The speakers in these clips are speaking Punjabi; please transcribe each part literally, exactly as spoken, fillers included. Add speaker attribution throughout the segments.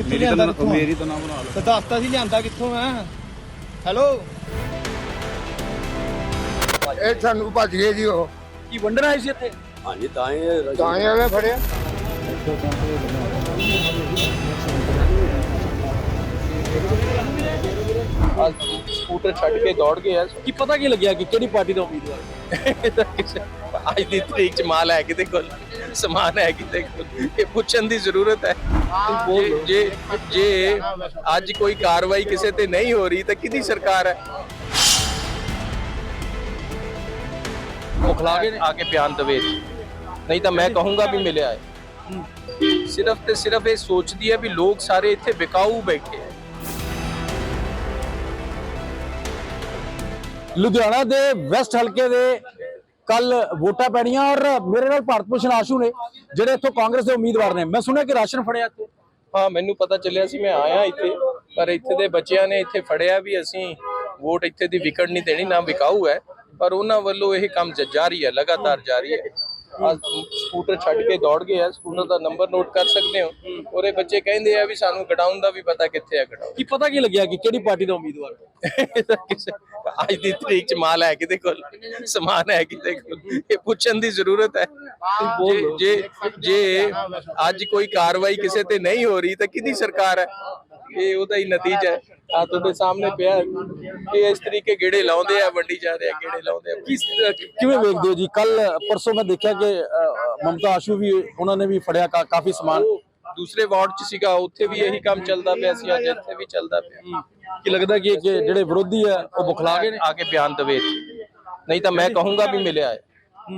Speaker 1: ਮੇਰੀ ਤਾਂ ਮੇਰੀ ਤਾਂ ਨਾ ਬਣਾ ਲਓ।
Speaker 2: ਤੇ ਦੱਸਤਾ ਸੀ ਲਿਆਂਦਾ ਕਿੱਥੋਂ ਮੈਂ। ਹੈਲੋ
Speaker 3: ਇਹ ਸਾਨੂੰ ਭੱਜ ਗਏ ਜੀ ਉਹ
Speaker 2: ਕੀ ਵੰਡਣ ਆਏ ਸੀ ਇੱਥੇ?
Speaker 1: ਹਾਂਜੀ ਤਾਂ ਹੀ
Speaker 3: ਤਾਂ ਹੀ ਉਹਨੇ ਫੜਿਆ।
Speaker 4: ਸਕੂਟਰ ਛੱਡ ਕੇ ਦੌੜ ਗਏ ਆ।
Speaker 2: ਕੀ ਪਤਾ ਕੀ ਲੱਗਿਆ ਕਿ ਕਿਹੜੀ ਪਾਰਟੀ ਦਾ ਉਮੀਦਵਾਰ?
Speaker 4: ਅੱਜ ਦੀ ਤਰੀਕ ਚ ਮਾਲ ਹੈ ਕਿਤੇ ਕੋਲ, ਸਮਾਨ ਹੈ ਕਿਤੇ ਕੋਲ, ਇਹ ਪੁੱਛਣ ਦੀ ਜ਼ਰੂਰਤ ਹੈ। ਜੇ ਜੇ ਜੇ ਅੱਜ ਕੋਈ ਕਾਰਵਾਈ ਕਿਸੇ ਤੇ ਨਹੀਂ ਹੋ ਰਹੀ ਤਾਂ ਕਿਹਦੀ ਸਰਕਾਰ ਹੈ? ਮੁਖਲਾ ਕੇ ਆ ਕੇ ਬਿਆਨ ਦਵੇ, ਨਹੀਂ ਤਾਂ ਮੈਂ ਕਹੂੰਗਾ ਵੀ ਮਿਲਿਆ ਹੈ। ਸਿਰਫ ਤੇ ਸਿਰਫ ਇਹ ਸੋਚਦੀ ਹੈ ਵੀ ਲੋਕ ਸਾਰੇ ਇੱਥੇ ਵਿਕਾਊ ਬੈਠੇ ਹੈ।
Speaker 5: ਲੁਧਿਆਣਾ ਦੇ ਵੈਸਟ ਹਲਕੇ ਦੇ ਕੱਲ ਵੋਟਾਂ ਪੈਣੀਆਂ ਔਰ ਮੇਰੇ ਨਾਲ ਭਾਰਤ ਭੂਸ਼ਣ ਆਸ਼ੂ ਨੇ ਜਿਹੜੇ ਇੱਥੋਂ ਕਾਂਗਰਸ ਦੇ ਉਮੀਦਵਾਰ ਨੇ। ਮੈਂ ਸੁਣਿਆ ਕਿ ਰਾਸ਼ਨ ਫੜਿਆ ਇੱਥੇ।
Speaker 4: ਹਾਂ, ਮੈਨੂੰ ਪਤਾ ਚੱਲਿਆ ਸੀ, ਮੈਂ ਆਇਆ ਇੱਥੇ, ਪਰ ਇੱਥੇ ਦੇ ਬੱਚਿਆਂ ਨੇ ਇੱਥੇ ਫੜਿਆ ਵੀ ਅਸੀਂ ਵੋਟ ਇੱਥੇ ਦੀ ਵਿਕਟ ਨਹੀਂ ਦੇਣੀ, ਨਾ ਵਿਕਾਊ ਹੈ, ਪਰ ਉਹਨਾਂ ਵੱਲੋਂ ਇਹ ਕੰਮ ਜਾਰੀ ਹੈ, ਲਗਾਤਾਰ ਜਾਰੀ ਹੈ। ਸਕੂਟਰ ਛੱਡ ਕੇ ਦੌੜ ਗਏ ਆ। ਸਕੂਟਰ ਦਾ ਨੰਬਰ ਨੋਟ ਕਰ ਸਕਦੇ ਹੋ। ਔਰ ਇਹ ਬੱਚੇ ਕਹਿੰਦੇ ਆ ਵੀ ਸਾਨੂੰ ਗਡਾਊਨ ਦਾ ਵੀ ਪਤਾ ਕਿੱਥੇ ਹੈ ਗਡਾਊਨ।
Speaker 2: ਕੀ ਪਤਾ ਕੀ ਲੱਗਿਆ ਕਿ ਕਿਹੜੀ ਪਾਰਟੀ ਦਾ ਉਮੀਦਵਾਰ?
Speaker 4: ਅੱਜ ਦੀ ਤਰੀਕ ਚ ਮਾਲ ਹੈ ਕਿਤੇ ਕੋਲ, ਸਮਾਨ ਹੈ ਕਿਤੇ ਕੋਲ, ਇਹ ਪੁੱਛਣ ਦੀ ਜ਼ਰੂਰਤ ਹੈ। ਜੇ ਜੇ ਜੇ ਅੱਜ ਕੋਈ ਕਾਰਵਾਈ ਕਿਸੇ ਤੇ ਨਹੀਂ ਹੋ ਰਹੀ ਤਾਂ ਕਿਹਦੀ ਸਰਕਾਰ ਹੈ? ਇਹ ਉਹਦਾ ਹੀ ਨਤੀਜਾ ਹੈ। ਆ ਤੁਹਾਡੇ ਸਾਹਮਣੇ ਪਿਆ, ਇਹ ਇਸ ਤਰੀਕੇ ਗੇੜੇ ਲਾਉਂਦੇ ਆ, ਵੰਡੀ ਜਾ ਰਹੇ ਆ, ਗੇੜੇ ਲਾਉਂਦੇ ਆ।
Speaker 5: ਕਿਵੇਂ ਵੇਖਦੇ ਹੋ ਜੀ? ਕੱਲ ਪਰਸੋਂ ਮੈਂ ਦੇਖਿਆ ਕਿ ਮਮਤਾ ਆਸ਼ੂ ਵੀ ਉਹਨਾਂ ਨੇ ਵੀ ਫੜਿਆ ਕਾਫੀ ਸਮਾਨ।
Speaker 4: ਦੂਸਰੇ ਵਾਰਡ ਚ ਸੀਗਾ, ਉੱਥੇ ਵੀ ਇਹੀ ਕੰਮ ਚੱਲਦਾ ਪਿਆ ਸੀ, ਅੱਜ ਇੱਥੇ ਵੀ ਚੱਲਦਾ ਪਿਆ।
Speaker 5: ਕੀ ਲੱਗਦਾ ਕਿ ਜਿਹੜੇ ਵਿਰੋਧੀ ਆ ਉਹ ਬੁਖਲਾ ਕੇ
Speaker 4: ਆ ਕੇ ਬਿਆਨ ਦਵੇ, ਨਹੀਂ ਤਾਂ ਮੈਂ ਕਹੂੰਗਾ ਵੀ ਮਿਲਿਆ ਹੈ।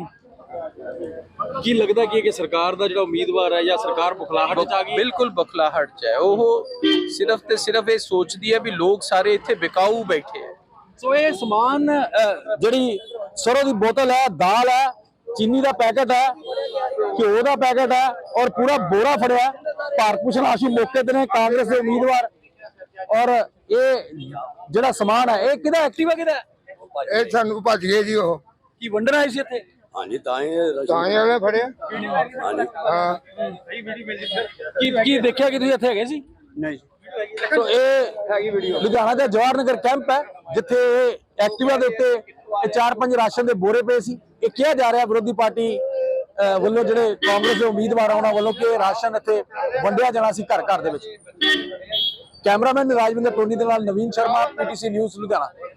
Speaker 2: ਕੀ ਲੱਗਦਾ ਕੀ ਕਿ ਸਰਕਾਰ ਦਾ ਜਿਹੜਾ ਉਮੀਦਵਾਰ ਹੈ ਜਾਂ ਸਰਕਾਰ ਬੁਖਲਾਹਟ ਚ ਆ ਗਈ?
Speaker 4: ਬਿਲਕੁਲ ਬੁਖਲਾਹਟ ਚ ਹੈ। ਉਹ ਸਿਰਫ ਤੇ ਸਿਰਫ ਇਹ ਸੋਚਦੀ ਹੈ ਵੀ ਲੋਕ ਸਾਰੇ ਇੱਥੇ ਵਿਕਾਊ ਬੈਠੇ ਹੈ।
Speaker 5: ਸੋ ਇਹ ਸਮਾਨ ਜਿਹੜੀ ਸਰੋਂ ਦੀ ਬੋਤਲ ਹੈ, ਦਾਲ ਹੈ, ਚੀਨੀ ਦਾ ਪੈਕੇਟ ਹੈ, ਘਿਓ ਦਾ ਪੈਕੇਟ ਹੈ ਔਰ ਪੂਰਾ ਬੋਰਾ ਫੜਿਆ। ਭਾਰਤ ਭੂਸ਼ਣ ਆਸ਼ੂ ਮੌਕੇ ਤੇ ਨੇ, ਕਾਂਗਰਸ ਦੇ ਉਮੀਦਵਾਰ। ਔਰ ਇਹ ਜਿਹੜਾ ਸਮਾਨ ਹੈ ਇਹ ਕਿਹਦਾ? ਐਕਟਿਵਾ ਕਿਹਦਾ?
Speaker 3: ਇਹ ਸਾਨੂੰ ਭੱਜ ਗਏ ਜੀ ਉਹ
Speaker 2: ਕੀ ਵੰਡਣ ਆਏ ਸੀ ਇੱਥੇ?
Speaker 1: ਹਾਂਜੀ ਤਾਂ ਹੀ
Speaker 3: ਤਾਂ ਹੀ ਉਹਨੇ ਫੜਿਆ।
Speaker 1: ਹਾਂਜੀ
Speaker 3: ਹਾਂ
Speaker 5: ਕੀ ਕੀ ਦੇਖਿਆ ਕਿ ਤੁਸੀਂ ਇੱਥੇ ਹੈਗੇ ਸੀ?
Speaker 1: ਨਹੀਂ
Speaker 5: ਸੋ ਇਹ ਲੁਧਿਆਣਾ ਦਾ ਜਵਾਹਰ ਨਗਰ ਕੈਂਪ ਹੈ, ਜਿੱਥੇ ਐਕਟਿਵਾ ਦੇ ਉੱਤੇ ਇਹ ਚਾਰ ਪੰਜ ਰਾਸ਼ਨ ਦੇ ਬੋਰੇ ਪਏ ਸੀ। ਇਹ ਕਿਹਾ ਜਾ ਰਿਹਾ ਵਿਰੋਧੀ ਪਾਰਟੀ ਵੱਲੋਂ, ਜਿਹੜੇ ਕਾਂਗਰਸ ਦੇ ਉਮੀਦਵਾਰ ਆ ਉਹਨਾਂ ਵੱਲੋਂ, ਕਿ ਰਾਸ਼ਨ ਇੱਥੇ ਵੰਡਿਆ ਜਾਣਾ ਸੀ ਘਰ ਘਰ ਦੇ ਵਿੱਚ। ਕੈਮਰਾਮੈਨ ਰਾਜਵਿੰਦਰ ਟੋਨੀ ਦੇ ਨਾਲ ਨਵੀਨ ਸ਼ਰਮਾ, ਪੀਟੀਸੀ ਨਿਊਜ਼ ਲੁਧਿਆਣਾ।